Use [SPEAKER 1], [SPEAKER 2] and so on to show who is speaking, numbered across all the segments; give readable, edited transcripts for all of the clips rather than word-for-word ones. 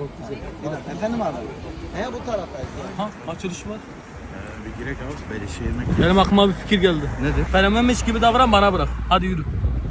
[SPEAKER 1] Çok güzel.
[SPEAKER 2] Efendim abi. Bu taraftayız.
[SPEAKER 1] Ha, açılış var.
[SPEAKER 3] Bir girek abi böyle şey yemek.
[SPEAKER 1] Benim aklıma bir fikir geldi.
[SPEAKER 3] Nedir?
[SPEAKER 1] Fenomenmiş gibi davran, bana bırak. Hadi yürü.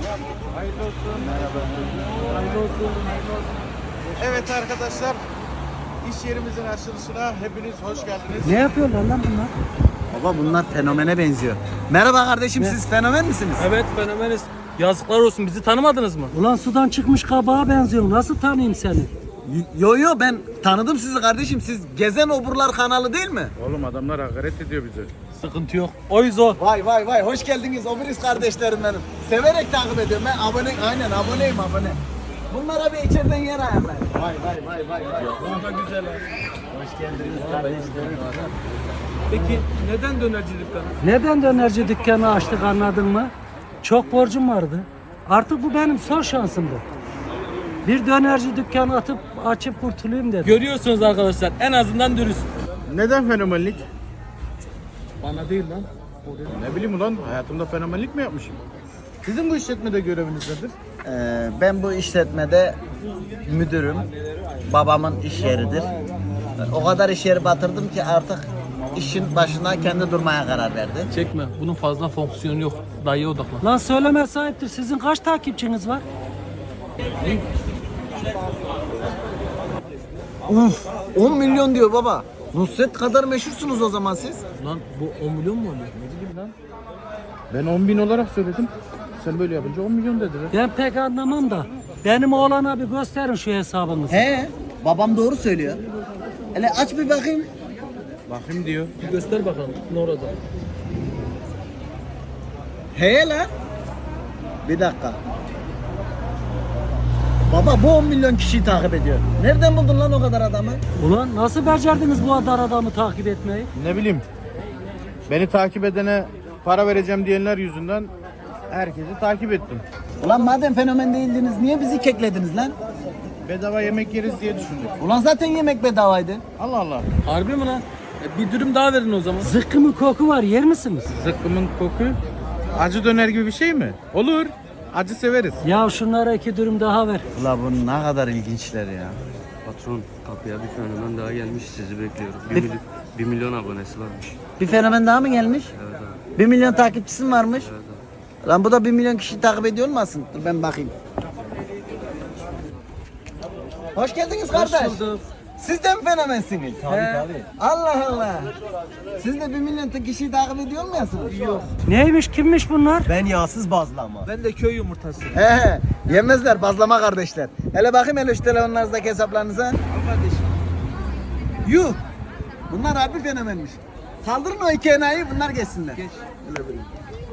[SPEAKER 3] Evet arkadaşlar, iş yerimizin açılışına hepiniz hoş geldiniz.
[SPEAKER 2] Ne yapıyorlar lan bunlar? Baba bunlar fenomene benziyor. Merhaba kardeşim, siz fenomen misiniz?
[SPEAKER 1] Evet, fenomeniz. Yazıklar olsun, bizi tanımadınız mı?
[SPEAKER 4] Ulan sudan çıkmış kabağa benziyorsun. Nasıl tanıyayım seni?
[SPEAKER 2] Yo ben tanıdım sizi kardeşim. Siz Gezen Oburlar kanalı değil mi?
[SPEAKER 3] Oğlum adamlar hakaret ediyor bize.
[SPEAKER 1] Sıkıntı yok. Oyuz o.
[SPEAKER 2] Vay hoş geldiniz Oburiz kardeşlerim benim. Severek takip ediyorum ben aboneyim. Bunlara bir içeriden yer ayarlayın. Vay.
[SPEAKER 1] Bu da güzel ha.
[SPEAKER 2] Hoş geldiniz kardeşlerim.
[SPEAKER 1] Peki neden dönerci dükkanı?
[SPEAKER 4] Neden dönerci dükkanı açtık anladın mı? Çok borcum vardı. Artık bu benim son şansımdı. Bir dönerci dükkanı açıp kurtulayım dedim.
[SPEAKER 1] Görüyorsunuz arkadaşlar, en azından dürüst.
[SPEAKER 3] Neden fenomenlik?
[SPEAKER 1] Bana değil lan.
[SPEAKER 3] Ne bileyim ulan, hayatımda fenomenlik mi yapmışım? Sizin bu işletmede göreviniz nedir?
[SPEAKER 2] Ben bu işletmede müdürüm. Babamın iş yeridir. O kadar iş yeri batırdım ki artık işin başına kendi durmaya karar verdi.
[SPEAKER 1] Çekme, bunun fazla fonksiyonu yok. Dayıya odaklan.
[SPEAKER 4] Lan söyleme sahiptir. Sizin kaç takipçiniz var?
[SPEAKER 2] Uf, 10 milyon diyor baba. Nusret kadar meşhursunuz o zaman siz.
[SPEAKER 1] Lan bu 10 milyon mu oluyor?
[SPEAKER 3] Ben 10.000 olarak söyledim. Sen böyle yapınca 10 milyon dediler.
[SPEAKER 4] Ben pek anlamam da. Benim oğlana bir gösterin şu hesabınızı.
[SPEAKER 2] Babam doğru söylüyor. Hele aç bir bakayım.
[SPEAKER 3] Bakayım diyor.
[SPEAKER 1] Bir göster bakalım ne orada.
[SPEAKER 2] Lan. Bir dakika. Baba bu 10 milyon kişiyi takip ediyor. Nereden buldun lan o kadar adamı?
[SPEAKER 4] Ulan nasıl becerdiniz bu kadar adamı takip etmeyi?
[SPEAKER 3] Ne bileyim. Beni takip edene para vereceğim diyenler yüzünden herkesi takip ettim.
[SPEAKER 2] Ulan madem fenomen değildiniz niye bizi keklediniz lan?
[SPEAKER 3] Bedava yemek yeriz diye düşündük.
[SPEAKER 2] Ulan zaten yemek bedavaydı.
[SPEAKER 3] Allah Allah.
[SPEAKER 1] Harbi mi lan? Bir dürüm daha verin o zaman.
[SPEAKER 4] Zıkkımın koku var, yer misiniz?
[SPEAKER 3] Zıkkımın koku. Acı döner gibi bir şey mi? Olur. Acı severiz.
[SPEAKER 4] Ya şunlara 2 dürüm daha ver.
[SPEAKER 2] Ulan bu ne kadar ilginçler ya.
[SPEAKER 5] Patron, kapıya bir fenomen daha gelmiş, sizi bekliyoruz.
[SPEAKER 2] Bir-
[SPEAKER 5] 1 milyon abonesi varmış.
[SPEAKER 2] Bir fenomen daha mı gelmiş?
[SPEAKER 5] Evet abi.
[SPEAKER 2] 1 milyon takipçisi mi varmış?
[SPEAKER 5] Evet abi.
[SPEAKER 2] Lan bu da 1 milyon kişi takip ediyor olmasın? Dur ben bakayım. Hoş geldiniz kardeş. Siz de mi fenomensiniz? Tabii. Allah Allah. Siz de 1 milyon kişiyi takip ediyor musunuz? Yok.
[SPEAKER 4] Neymiş, kimmiş bunlar?
[SPEAKER 2] Ben yağsız bazlama.
[SPEAKER 1] Ben de köy yumurtası.
[SPEAKER 2] Yemezler bazlama kardeşler. Hele bakayım hele şu telefonlarınızdaki hesaplarınıza. Al kardeşim. Yuh. Bunlar harbi fenomenmiş. Kaldırın o iki enayi bunlar geçsinler. Geç.